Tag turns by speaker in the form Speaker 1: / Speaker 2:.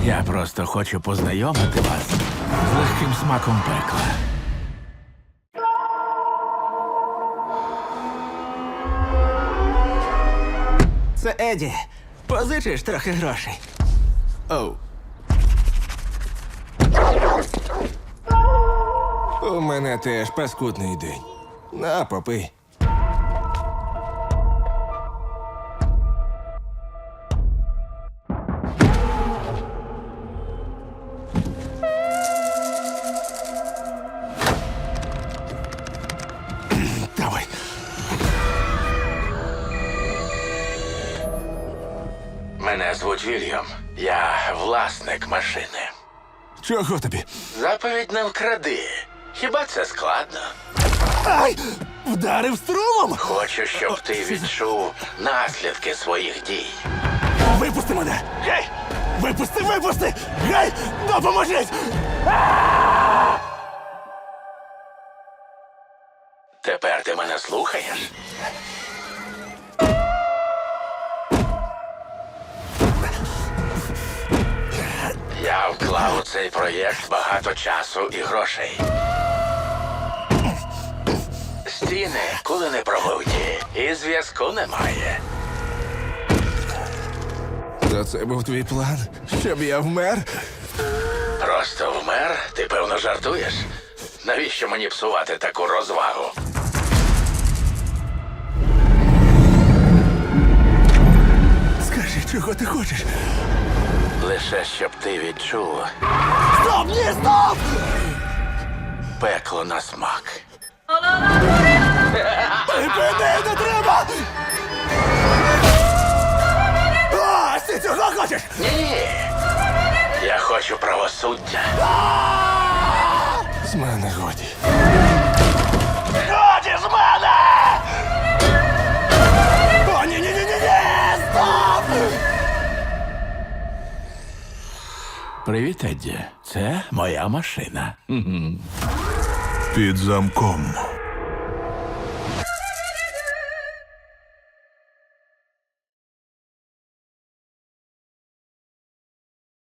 Speaker 1: Я просто хочу познайомити вас з легким смаком пекла.
Speaker 2: Це Еді. Позичиш трохи грошей.
Speaker 1: Оу.
Speaker 3: У мене теж паскудний день. На, попий. Давай.
Speaker 1: Мене звуть Вільям. Я власник машини.
Speaker 3: Чого тобі?
Speaker 1: Заповідь не вкради. Хіба це складно?
Speaker 3: Ай! Вдарив струмом!
Speaker 1: Хочу, щоб ти відчув наслідки своїх дій.
Speaker 3: Випусти мене! Гей! Випусти, випусти! Гей! Допоможіть!
Speaker 1: Тепер ти мене слухаєш? Я вклав у цей проєкт багато часу і грошей. Стіни коли не промивті, і зв'язку немає.
Speaker 3: То це був твій план? Щоб я вмер?
Speaker 1: Просто вмер? Ти, певно, жартуєш? Навіщо мені псувати таку розвагу?
Speaker 3: Скажи, чого ти хочеш?
Speaker 1: Лише щоб ти відчув
Speaker 3: Стоп! Ні, стоп!
Speaker 1: пекло на смак.
Speaker 3: Припини, не треба! О, ти цього хочеш?
Speaker 1: Ні. Я хочу правосуддя.
Speaker 3: З мене годі.
Speaker 1: Годі з мене!
Speaker 3: О, ні-ні-ні-ні! Стоп!
Speaker 1: Привіт, Едді. Це моя машина.
Speaker 4: Під замком.